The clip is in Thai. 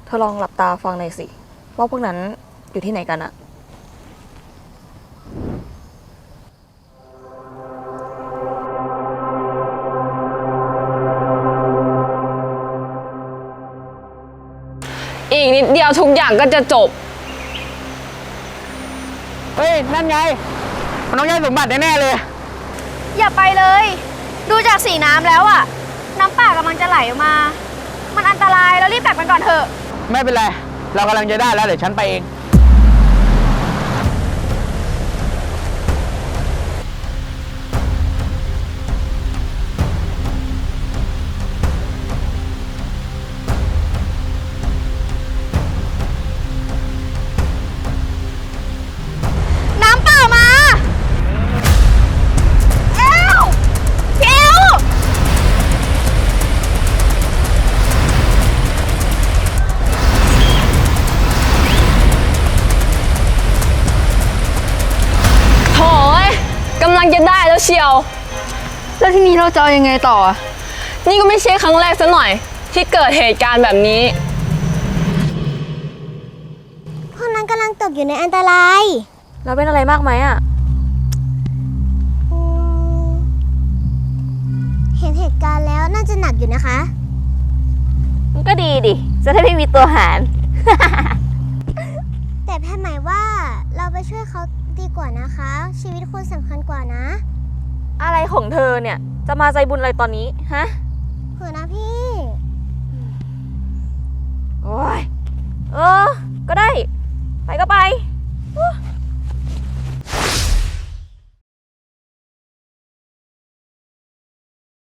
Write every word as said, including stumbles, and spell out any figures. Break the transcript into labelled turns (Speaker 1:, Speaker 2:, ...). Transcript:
Speaker 1: เธอลองหลับตาฟังหน่อยสิว่าพวกนั้นอยู่ที่ไหนกันอะ
Speaker 2: อีกนิดเดียวทุกอย่างก็จะจบ
Speaker 3: เฮ้ยนั่นไงมันต้องย้ายสมบัติแน่ๆเลย
Speaker 4: อย่าไปเลย ดูจากสีน้ำแล้วอะน้ำป่ากำลังจะไหลออกมา มันอันตรายเรารีบกลับกันก่อนเถอะ
Speaker 3: ไม่เป็นไรเรากำลังจะได้แล้วเดี๋ยวฉันไปเอง
Speaker 4: น้ำป่ามาเอวพี่เอว
Speaker 2: โถ่กำลังจะได้แล้วเชียวแล้วทีนี้เราจะเอายังไงต่อนี่ก็ไม่ใช่ครั้งแรกซะหน่อยที่เกิดเหตุการณ์แบบนี้
Speaker 4: พวกนั้นกำลังตกอยู่ในอันตราย
Speaker 1: แล้วเป็นอะไรมากไหมอะ
Speaker 4: เห็นเหตุการณ์แล้วน่าจะหนักอยู่นะคะ
Speaker 1: มันก็ดีดิจะได้ไม่มีตัวหาร
Speaker 4: แต่แพทย์หมายว่าเราไปช่วยเขาดีกว่านะคะ ชีวิตคุณสำคัญกว่านะ
Speaker 1: อะไรของเธอเนี่ยจะมาใจบุญอะไรตอนนี้ฮะ
Speaker 4: เผื่อนะพี่
Speaker 1: โอ้ยเออก็ได้ไปก็ไป